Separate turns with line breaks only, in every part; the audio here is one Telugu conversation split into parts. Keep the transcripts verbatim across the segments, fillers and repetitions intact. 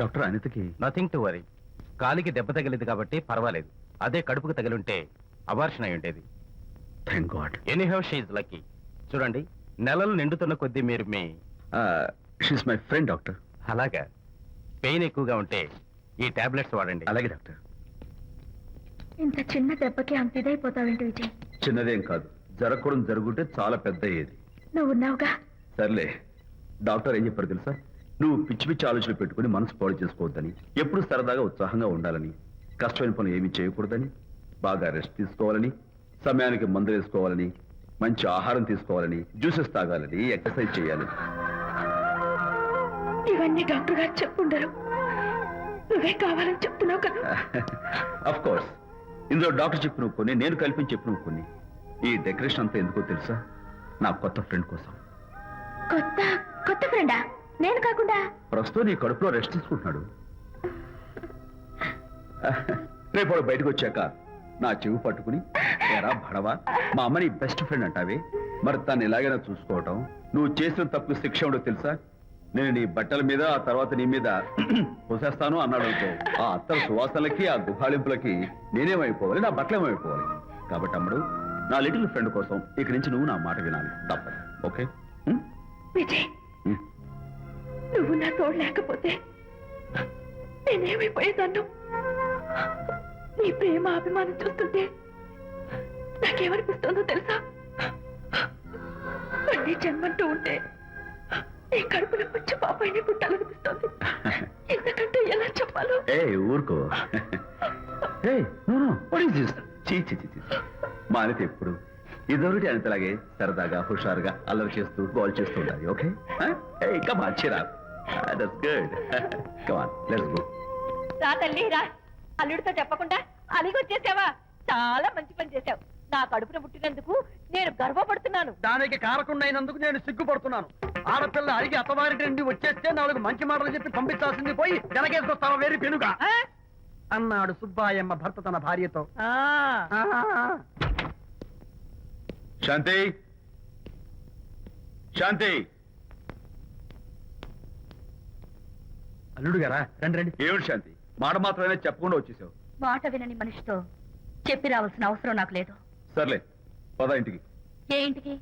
డాక్టర్ అనితకి
నథింగ్ టు వరీ. కాలికి దెబ్బ తగిలింది కాబట్టి పర్వాలేదు. అదే కడుపుకు తగిలింటే అబార్షన్ అయి ఉండేది.
Thank God.
Anyhow she is lucky. చూడండి, నెలలు నిండుతున్న కొద్దీ మీరు మీ
షీస్ మై ఫ్రెండ్ డాక్టర్.
అలాగా. పెయిన్ ఎక్కువగా ఉంటే ఈ టాబ్లెట్స్ వాడండి.
అలాగే డాక్టర్.
ఇంత చిన్న దెబ్బకి అంత ఇదైపోతావేంటి విజయ్?
చిన్నదేం కాదు, జరగకూడదు జరుగుంటే చాలా పెద్ద అయ్యేది.
నువ్వు ఉన్నావుగా.
సర్లే, డాక్టర్ ఏం చెప్పారు తెలుసా? నువ్వు పిచ్చి పిచ్చి ఆలోచనలు పెట్టుకుని మనసు పాడు చేసుకోవద్దని, ఎప్పుడు సరదాగా ఉత్సాహంగా ఉండాలని, కష్టమైన పనులు ఏమీ చేయకూడదని, బాగా రెస్ట్ తీసుకోవాలని, సమయానికి మందులు వేసుకోవాలని, మంచి ఆహారం తీసుకోవాలని, జ్యూసెస్ తాగాలని, ఎక్సర్సైజ్ చేయాలని.
ఇవన్నీ డాక్టర్ గారు చెప్పుండరు, నువ్వే కావాలని చెప్తున్నావు కదా.
అఫ్ కోర్స్, ఇందులో డాక్టర్ చెప్పిన కొన్ని, నేను కల్పించి చెప్పిన కొన్ని. ఈ డెకరేషన్ అంతా ఎందుకో తెలుసా? నా కొత్త ఫ్రెండ్ కోసం.
కొత్త కొత్త ఫ్రెండా? నేను కాకుండా?
ప్రస్తుతం నీ కడుపులో రెస్ట్ తీసుకుంటున్నాడు. రేపు వాడు బయటకు వచ్చాక నా చెవి పట్టుకుని, ఎరా భడవా, మా అమ్మ నీ బెస్ట్ ఫ్రెండ్ అంటావే, మరి తను ఎలాగైనా చూసుకోవటం, నువ్వు చేసిన తప్పు శిక్ష ఉండో తెలుసా? నేను నీ బట్టల మీద, ఆ తర్వాత నీ మీద పోసేస్తాను అన్నాడు అనుకో, ఆ అత్తల సువాసనలకి, ఆ గుహాళింపులకి నేనేమైపోవాలి, నా బట్టలేమైపోవాలి. కాబట్టి అమ్మడు, నా లిటిల్ ఫ్రెండ్ కోసం ఇక్కడి నుంచి నువ్వు నా మాట వినాలి, తప్పదు. ఓకే
విజయ్, నువ్వు నా తోడు లేకపోతే నేనేమైపోయేదాన్ను. నీ ప్రేమ అభిమానం చూస్తుంటే నాకేమనిపిస్తుందో తెలుసా? మళ్ళీ జన్మంటూ ఉంటే నీ కడుపులో వచ్చి పాపాయిని పుట్టాలనిపిస్తుంది. ఎందుకంటే ఎలా చెప్పాలో.
ఏ ఊరుకో. మా అనిత ఎప్పుడు ఇదొకటి అనితలాగే సరదాగా హుషారుగా అల్లరి చేస్తూ గోల్ చేస్తూ ఉండాలి. Okay, come on Chira. That's good. Come on, let's go.
రా తల్లి రా. అల్లుడితో చెప్పకుండా అలిగొచ్చేసావా? చాలా మంచి పని చేశావు. నా కడుపున పుట్టినందుకు నేను గర్వపడుతున్నాను.
దానికి కారకుండైనందుకు నేను సిగ్గుపడుతున్నాను. ఆడపిల్ల అడిగి అత్తవారింటి నుండి వచ్చేస్తే నాలుగు మంచి మాటలు చెప్పి పంపించాల్సింది పోయి వెనకేసుకొస్తావా వేరు పెనుగా అన్నాడు సుబ్బాయమ్మ భర్త తన భార్యతో.
శాంతి, శాంతి.
అల్లుడు గారా, రండి రండి.
ఏమిటి శాంతి, మాట మాత్రమే చెప్పకుండా వచ్చేసావు?
మాట వినని మనిషితో చెప్పి రావాల్సిన అవసరం నాకు లేదు.
సర్లే, పద ఇంటికి.
ఏ ఇంటికి?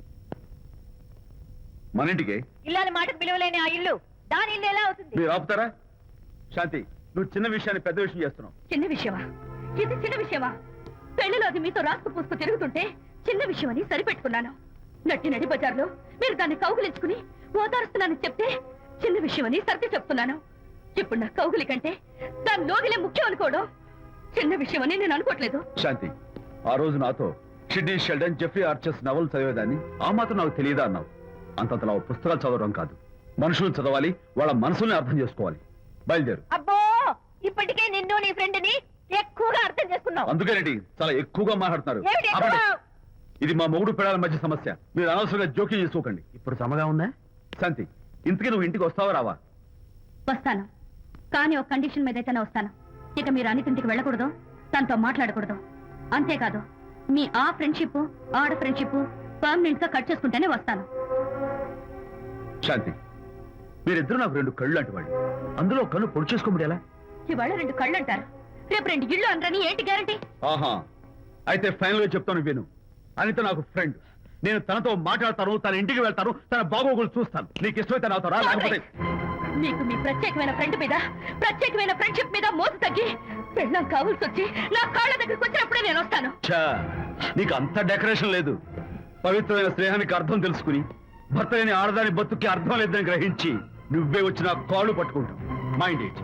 మన ఇంటికి.
ఇల్లాలి మాటకు విలువలేని ఆ ఇల్లు దాని ఇల్లు ఎలా అవుతుంది?
మీరు ఆపుతారా? శాంతి, నువ్వు చిన్న విషయాన్ని పెద్ద విషయం చేస్తున్నావు.
చిన్న విషయమా? ఇది చిన్న విషయమా? పెళ్లిలో అది మీతో రాసుకు పూసుకు తిరుగుతుంటే చిన్న విషయం అని సరిపెట్టుకున్నాను. నట్టి నడి బజార్లో మీరు దాన్ని కౌగులించుకుని ఓదారుస్తున్నానని చెప్తే చిన్న విషయం అని సర్ది చెప్తున్నాను. ఇప్పుడు నా కౌగులి కంటే దాని లోగిలే ముఖ్యం అనుకోవడం చిన్న విషయం అని నేను అనుకోవట్లేదు.
శాంతి, ఆ రోజు నాతో Sidney Sheldon, Jeffrey Archer's novel చదివేదాన్ని, ఆ మాత్రం నాకు తెలియదా అన్నావు. అంతంతలా పుస్తకాలు చదవడం కాదు, మనుషులను చదవాలి, వాళ్ళ మనసుల్ని అర్థం చేసుకోవాలి. బయలుదేరు.
అబ్బో, ఇప్పటికే నిన్ను నీ ఫ్రెండ్ ని ఎక్కువగా అర్థం చేసుకున్నావు.
అందుకేనండి చాలా ఎక్కువగా మాట్లాడుతున్నారు. ఇది మా మొగుడు పిల్లల మధ్య సమస్య, మీరు అనవసరంగా జోక్యం చేసుకోకండి.
ఇప్పుడు సమగా ఉందా?
శాంతి, ఇంతకీ నువ్వు ఇంటికి వస్తావా రావా?
వస్తాను, కానీ ఒక కండిషన్ మీద అయితేనే వస్తాను. ఇక మీరు అనితింటికి వెళ్ళకూడదు, తనతో మాట్లాడకూడదు. అంతేకాదు, మీ ఆ ఫ్రెండ్షిప్, ఆడ ఫ్రెండ్షిప్ పర్మనెంట్ గా కట్ చేసుకుంటేనే వస్తాను.
శాంతి, మీరిద్దరు నాకు రెండు కళ్ళు లాంటి వాళ్ళు, అందులో కళ్ళు పొడి చేసుకోబడి ఎలా?
ఇవాళ రెండు కళ్ళు అంటారు, రేపు రెండు ఇళ్ళు అంటారని ఏంటి గ్యారంటీ?
ఆహా, అయితే ఫైనల్ గా చెప్తాను విను. అనిత నాకు ఫ్రెండ్, నేను తనతో మాట్లాడతాను, తన ఇంటికి వెళ్తాను, తన బాగోగులు చూస్తాను. నీకు ఇష్టమైతే నాతో రా, లేకపోతే.
మీకు మీ ప్రత్యేకమైన ఫ్రెండ్ మీద, ప్రత్యేకమైన ఫ్రెండ్షిప్ మీద మోసు తగ్గి పెళ్ళం కావాల్సి వచ్చి నా కాళ్ళ దగ్గరికి వచ్చినప్పుడే నేను వస్తాను.
నీకు అంత డెకరేషన్ లేదు. పవిత్రమైన స్నేహానికి అర్థం తెలుసుకుని భర్త లేని ఆడదాని బతుక్కి అర్థం లేదని గ్రహించి నువ్వే వచ్చి నా కాళ్ళు పట్టుకుంటావు. Mind it.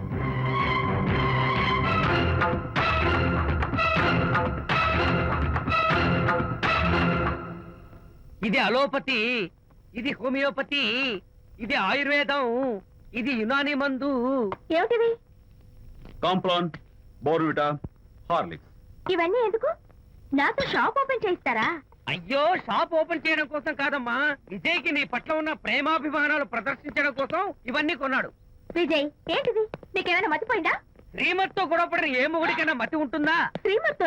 ఇది అలోపతి, ఇది హోమియోపతి, ఇది ఆయుర్వేదం, ఇది యునాని మందు.
ఏమిటివి?
Complan, Bournvita, Horlicks.
ఇవన్నీ ఎందుకు? నాతో షాప్ ఓపెన్ చేయిస్తారా?
అయ్యో, షాప్ ఓపెన్ చేయడం కోసం కాదమ్మా, విజయ్కి నీ పట్ల ఉన్న ప్రేమాభిమానాలు ప్రదర్శించడం కోసం ఇవన్నీ కొన్నాడు.
విజయ్, ఏంటిది? నీకేమైనా మతిపోయిందా?
శ్రీమతితో గొడవపడిన ఏ మొగుడికైనా మతి ఉంటుందా?
శ్రీమతితో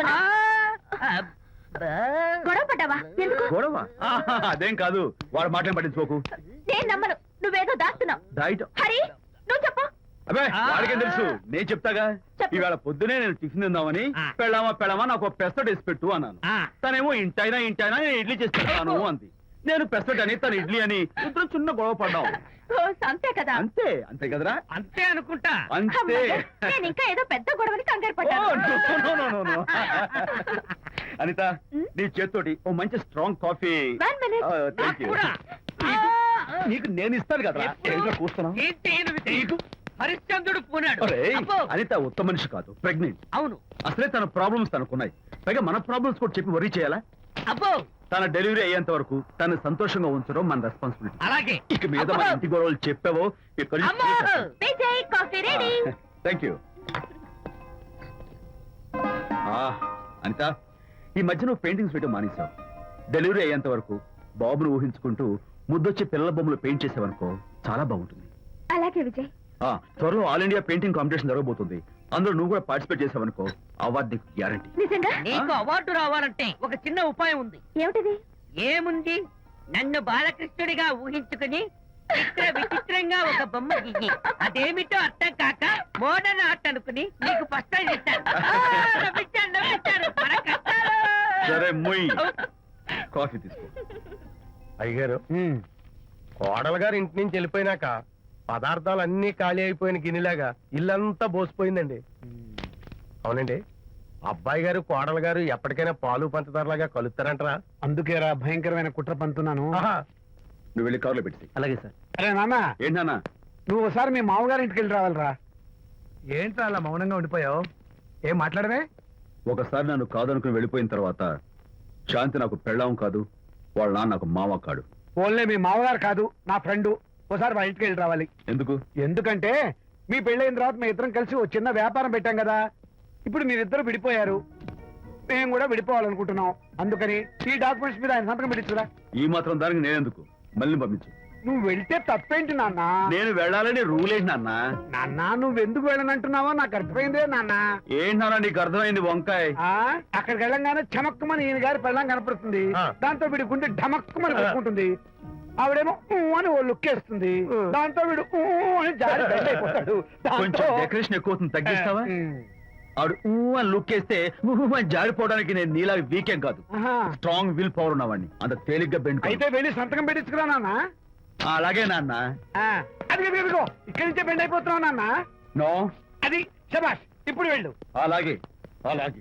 గొడవ పడ్డావా? ఎందుకు
గొడవ? అదేం కాదు, వాడు మాటలు పట్టించుకోకు.
నేను నమ్మను, నువ్వేదో దాస్తున్నావు.
డైట్.
హరి, నువ్వు చెప్పు.
అబ్బే
ఆ.
వాడికేం తెలుసు నేను చెప్తాగా
చెప్పు.
ఈవేళ పొద్దునే నేను టిఫిన్ తిందామని
ఆ.
పెళ్ళామా పెళ్ళామా నాకు ఒక పెసరట్ వేసి పెట్టు అన్నాను
ఆ.
తనేమో ఇంటైనా ఇంటైనా నేను ఇడ్లీ చేసి పెడతాను అంది నేను పెసరట్ అని తను ఇడ్లీ అని ఇద్దరు చిన్న గొడవ పడ్డాం
ఓ, అంతే కదా
అంతే అంతే కదరా
అంతే అనుకుంటా
అంతే
అమ్మయ్య, నేను ఇంకా ఏదో పెద్ద గొడవని కంగారు
ఓ,
పడ్డాను
no, no, no, no, no. Anitha
ఉమ్?
నీ చేత్తోటి ఓ మంచి స్ట్రాంగ్ కాఫీ
One minute.
నాకు కూడా.
నీకు నేను ఇస్తాను కదా
ఎప్పుడు?
కూస్తున్నావు
ఏంటి ఈయనది తెలియదు? హరిశ్చంద్రుడు పూనాడు అబ్బో.
అనిత ఉత్తమ మనిషి కాదు ప్రెగ్నెంట్
అవును
అసలే తన ప్రాబ్లమ్స్ తనకున్నాయి పైగా మన ప్రాబ్లమ్స్ కూడా చెప్పి వరీ చేయాలా
అబ్బో
తన డెలివరీ అయ్యేంత వరకు తను సంతోషంగా ఉంచడం మన రెస్పాన్సిబిలిటీ
అలాగే
ఇక మీద మన ఇంటి గొడవలు చెప్పావో
అమ్మో.
Vijay coffee ready
thank you Anita ఈ మధ్య నువ్వు పెయింటింగ్స్ వేయడం మానేశావు డెలివరీ అయ్యేంత వరకు బాబును ఊహించుకుంటూ ముద్దొచ్చి పిల్లల బొమ్మలు పెయింట్ చేసావనుకో చాలా బాగుంటుంది
అలాగే విజయ్
ఆ, త్వరలో ఆల్ ఇండియా పెయింటింగ్ కాంపిటీషన్ జరగబోతుంది అందులో నువ్వు కూడా పార్టిసిపేట్ చేసావనుకో అవార్డు నీకు గ్యారంటీ
నిజంగా
నీకు అవార్డు రావాలంటే ఒక చిన్న ఉపాయం ఉంది
ఏమిటిది
ఏముంది నన్ను బాలకృష్ణుడిగా ఊహించుకుని చిత్ర విచిత్రంగా ఒక బొమ్మ గీయి అదేమిటో అర్థం కాక మోడర్న్ ఆర్ట్ అనుకుని నీకు ఫస్ట్ ప్రైజ్ ఇస్తాను ఆ, నవ్వించాను, నవ్వించాను. మన కష్టాలు.
సరే మొయ్ కాఫీ తీసుకో
అయ్యగారు కోడలు గారు ఇంటి నుంచి వెళ్ళిపోయినాక పదార్థాలు అన్ని ఖాళీ అయిపోయిన గిన్నెలాగా ఇల్లంతా బోసిపోయిందండి అవునండి అబ్బాయి గారు కోడలు గారు ఎప్పటికైనా పాలు పంచదారలాగా కలుస్తారంటరా
అందుకేరా భయంకరమైన కుట్ర పంతున్నాను
నువ్వు వెళ్ళి కారులో పెట్టి
అలాగే సార్
అరే నాన్న
ఏంటన్నా
నువ్వు ఒకసారి మీ మామగారి ఇంటికి వెళ్ళి రావాలిరా
ఏంట్రా అలా మౌనంగా ఉండిపోయావు ఏం మాట్లాడవే
ఒకసారి నన్ను కాదనుకుని వెళ్ళిపోయిన తర్వాత శాంతి నాకు పెళ్ళాం కాదు వాళ్ళ నాన్న నాకు మామ కాడు
ఓన్లే మీ మామగారు కాదు నా ఫ్రెండ్ ఒకసారి మా ఇంటికి వెళ్ళి రావాలి
ఎందుకు
ఎందుకంటే మీ పెళ్ళైన తర్వాత మీ ఇద్దరం కలిసి ఓ చిన్న వ్యాపారం పెట్టాం కదా ఇప్పుడు మీరిద్దరు విడిపోయారు మేము కూడా విడిపోవాలనుకుంటున్నాం అందుకని ఈ డాక్యుమెంట్స్ మీద ఆయన సంతకం పెట్టించురా
ఈ మాత్రం దానికి నేనెందుకు మళ్ళీ పంపించు
నువ్వు వెళ్తే తప్పేంటి నాన్న
నేను వెళ్ళాలని రూల్ ఏంటి నాన్న
నాన్న నువ్వు ఎందుకు వెళ్ళనంటున్నావో నాకు అర్థమైందే నాన్న
ఏంటి నాన్న నీకు అర్థమైంది వంకాయ్
ఆ అక్కడికి వెళ్ళంగానే చమక్కుమని ఈయన గారి పెళ్ళం కనపడుతుంది
ఆ.
దాంతో వీడి గుండె ఢమక్కుమని పెట్టుకుంటుంది ఆవిడేమో ఊ అని ఓ లుక్ వేస్తుంది దాంతో వీడు ఊ అని జారి బెడ్ అయిపోతాడు
కొంచెం
దాంతో-
డెకరేషన్ ఎక్కువ అవుతుంది తగ్గిస్తావా
ఉమ్.
ఆవిడ ఊ అని లుక్ వేస్తే ఊ అని జారిపోవడానికి నేను నీలా వీకెం కాదు
ఆహా.
స్ట్రాంగ్ విల్ పవర్ ఉన్నవాడిని అంత తేలిగ్గా బెండ్
అయితే వెళ్ళి సంతకం పెట్టించుకురా నాన్న
అలాగే నాన్న
ఆ, అది అది ఇదిగో ఇక్కడి నుంచే బెండ్ అయిపోతున్నావు నాన్న
నో
అది శబాష్ ఇప్పుడు వెళ్ళు
అలాగే అలాగే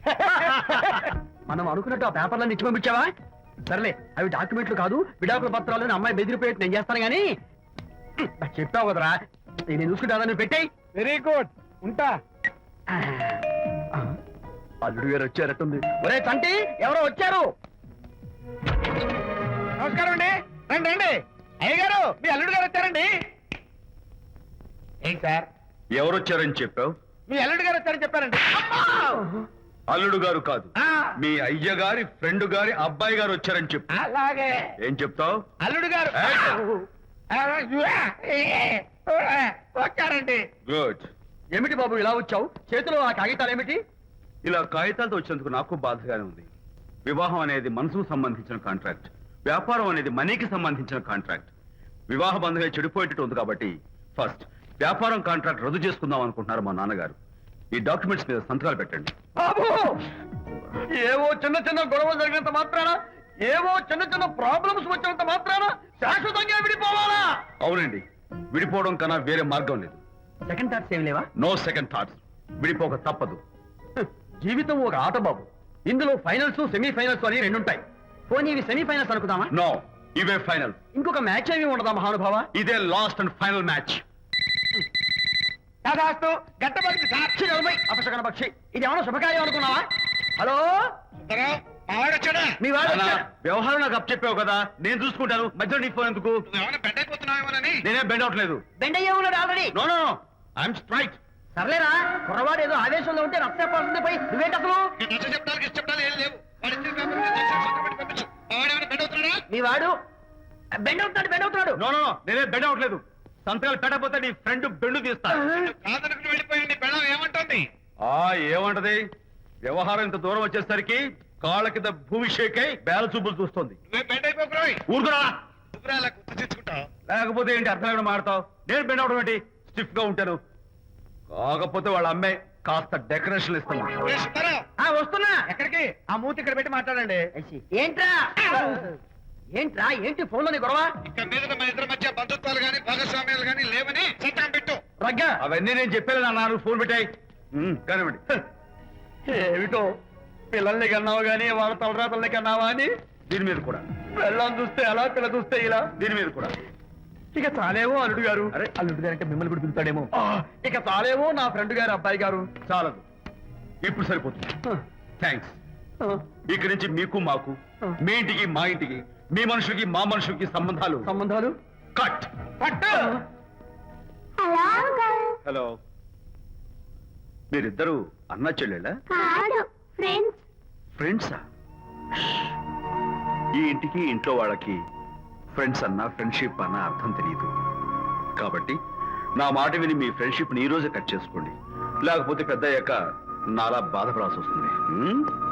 మనం అనుకున్నట్టు ఆ పేపర్లను ఇచ్చి పంపించావా సర్లే అవి డాక్యుమెంట్లు కాదు విడాకుల పత్రాలు అని అమ్మాయి బెదిరిపోయేట్టు నేను చేస్తాను గానీ నాకు చెప్పావు కదరా నేను చూసుకుంటా నువ్వు పెట్టాయి
వెరీ గుడ్ ఉంటా
అల్లుడు గారు వచ్చారట్టుంది
ఒరే తంటి ఎవరో వచ్చారు
నమస్కారం అండి రండి రండి అయ్య గారు మీ అల్లుడు గారు వచ్చారండి ఏంటి సార్
ఎవరు వచ్చారని చెప్పావు
మీ అల్లుడు గారు వచ్చారని చెప్పారండి
అల్లుడు గారు కాదు
ఆ,
మీ అయ్య గారి ఫ్రెండ్ గారి అబ్బాయి గారు వచ్చారని చెప్పు
అలాగే
ఏం చెప్తావు
అల్లుడు గారు వచ్చారండి
గుడ్
ఏమిటి బాబు ఇలా వచ్చావు చేతిలో ఆ కాగితాలు ఏమిటి
ఇలా కాగితాలతో వచ్చినందుకు నాకు బాధగానే ఉంది వివాహం అనేది మనసుకు సంబంధించిన కాంట్రాక్ట్ వ్యాపారం అనేది మనీకి సంబంధించిన కాంట్రాక్ట్ వివాహ బంధంగా చెడిపోయేటట్టు ఉంది కాబట్టి ఫస్ట్ వ్యాపారం కాంట్రాక్ట్ రద్దు చేసుకుందాం అనుకుంటున్నారు మా నాన్నగారు ఈ డాక్యుమెంట్స్ మీద సంతకాలు పెట్టండి
బాబు ఏవో చిన్న చిన్న గొడవలు జరిగినంత మాత్రాన ఏవో చిన్న చిన్న ప్రాబ్లమ్స్ వచ్చినంత మాత్రాన శాశ్వతంగా విడిపోవాలా
అవునండి విడిపోవడం కన్నా వేరే మార్గం లేదు
సెకండ్ థాట్స్ ఏం లేవా
నో సెకండ్ థాట్స్ విడిపోక తప్పదు
జీవితం ఒక ఆట బాబు ఇందులో ఫైనల్స్ సెమీ ఫైనల్స్ అని రెండు ఉంటాయి పోనీ ఇవి సెమీ ఫైనల్స్ అనుకుందామా
నో ఇవే ఫైనల్
ఇంకొక మ్యాచ్ ఏమి ఉండదా మహానుభావ
ఇదే లాస్ట్ అండ్ ఫైనల్ మ్యాచ్
దాదాస్తు గట్టబడి
సాక్షి నలభై అపశకన పక్షి ఇది ఏమన్నా శుభకార్యం అనుకున్నావా హలో మీ వాడు వచ్చాడు.
వ్యవహారం నాకు అప్ చెప్పావు కదా నేను చూసుకుంటాను మధ్యలో నీ ఫోన్ ఎందుకు నేనే బెండ్ అవట్లేదు
బెండ్ అయ్యే ఉన్నాడు already
no no no I'm straight
సర్లేరా కుర్రవాడు ఏదో ఆవేశంలో ఉంటే రక్తపోతుంది పోయి నువ్వేంటి అసలు మీ వాడు బెండ్ అవుతున్నాడు బెండ్ అవుతున్నాడు
నో నో నో నేనే బెండ్ అవట్లేదు సంతకాలు పెట్టకపోతే నీ ఫ్రెండ్ బెండు తీస్తా ఆ ఏమంటది వ్యవహారం ఇంత దూరం వచ్చేసరికి కాళ్ళ కింద భూమి షేకై బేల చూపులు చూస్తుంది ఊరుకురా లేకపోతే ఏంటి అర్థం ఏమైనా మాడతావు నేను బెండ్ అవడం ఏంటి స్టిఫ్ గా ఉంటాను కాకపోతే వాళ్ళ అమ్మాయి కాస్త డెకరేషన్ ఇస్తాను.
ఆ, వస్తున్నా. ఎక్కడికి? ఆ మూతి ఇక్కడ పెట్టి మాట్లాడండి.
ఏంట్రా ఏంట్రా ఏంటి ఫోన్ లోని గొడవ?
ఇక మీద మన ఇద్దరి మధ్య బంధుత్వాలు గాని భాగస్వామ్యాలు గాని లేవని చట్టం పెట్టు.
రగ్గా అవన్నీ నేను చెప్పాను అన్నారు. ఫోన్ పెట్టాయి కానివ్వండి.
ఏమిటో పిల్లల్ని కన్నావు గానీ వాళ్ళ తలరాతల్ని కన్నావా అని.
దీని మీద కూడా,
పిల్లల్ని చూస్తే అలా పిల్ల చూస్తే ఇలా.
దీని మీద కూడా.
ఇక చాలేమో అల్లుడు గారు.
అరే
అల్లుడు గారు అంటే మిమ్మల్ని కూడా పిలుతాడేమో. ఇక చాలేమో నా ఫ్రెండ్ గారు అబ్బాయి గారు.
చాలదు, ఇప్పుడు సరిపోతుంది. థ్యాంక్స్. ఇక్కడి నుంచి మీకు మాకు, మీ ఇంటికి మా ఇంటికి, మీ మనుషులకి మా మనుషులకి సంబంధాలు
సంబంధాలు
కట్.
పట్టు.
హలో, మీరిద్దరు అన్నా చెల్లెళ్ళా?
ఫ్రెండ్స్.
ఫ్రెండ్సా? ఈ ఇంటికి ఇంట్లో వాళ్ళకి ఫ్రెండ్స్ అన్న ఫ్రెండ్షిప్ అన్న అర్థం తెలియదు. కాబట్టి నా మాట విని మీ ఫ్రెండ్షిప్ ని ఈ రోజే కట్ చేసుకోండి, లేకపోతే పెద్ద అయ్యాక నాలా బాధపడాల్సి వస్తుంది. హ్మ్?